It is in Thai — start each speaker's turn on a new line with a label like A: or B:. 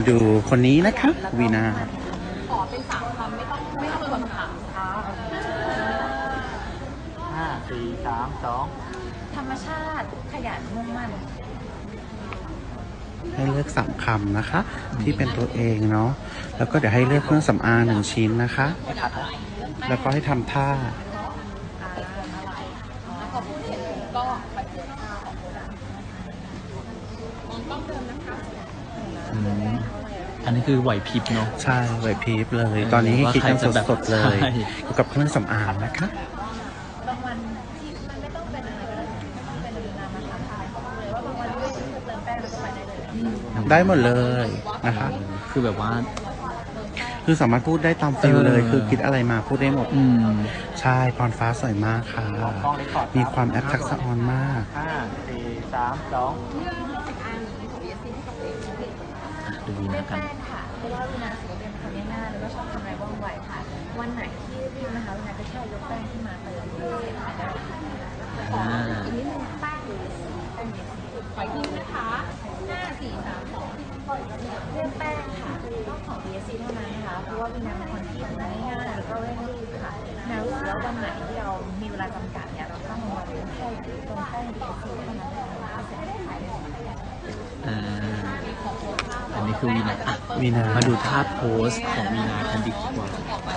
A: ดูคนนี้นะคะวีนา
B: ขอเป็น3 คำไม่ต้องคำถามค่ะ
C: 5 4 3 2
B: ธรรมชาติขยันมุ่งมั่น
A: ให้เลือก3 คำนะคะ ที่เป็นตัวเองเนาะแล้วก็เดี๋ยวให้เลือกเครื่องสำอาง1 ชิ้นนะคะ แล้วก็ให้ทำท่า
B: แล้วพอพูดเสร็จก็ไปเจอข้าวของโบราณต้องเดิมนะคะ
C: อันนี้คือไหวพริบเนาะ
A: ใช่ไหวพริบเลย ตอนนี้ให้คิดกันสดๆเลย
C: ใช่
A: เกี่ยวกับเครื่องสำอางนะคะ
B: บางวันที่มันไม่ต้องเป็นอะไรก็ได้ไม่ต้องเป็นนามธรรมไทยเขาบอกเลยว่าบางวันไม่ต้องเติมแป้งแล้วก็ไปได้เลย
A: ได้หมดเลยนะคะ
C: คือแบบว่า
A: คือสามารถพูดได้ตามฟิลเลย คือคิดอะไรมาพูดได้หมดใช่พรฟ้าสวยมากค่ะ มีความแอปทักษะออนมาก
C: ดูวีนากัน
B: แป้งค่ะเพราะว่าวินาถือว่าเป็นคนง่ายๆแล้วก็ชอบทำอะไรว่องไวค่ะวันไหนที่รีบนะคะวินาก็แค่ยกแป้งขึ้นมาเติมเสร็จได้อีกนิดนึงแป้งหรือแป้งเย็นขอยิ้มนะคะ5 4 3 2เลือกแป้งค่ะต้องของ BSC เท่านั้นนะคะเพราะว่าวินาเป็นคนที่ทำง่ายๆแล้วก็เร่งรีบค่ะนารู้สึกว่าวันไหนที่เรามีเวลาจำกัดเนี่ยเราต้องมาเลือกแค่ตรงแป้ง BSC เท่านั้นนะคะเสร็จได้
C: อันนี้คือวีนา
A: วีนา
C: มาดูท่าโพสของวีนากันดีกว่า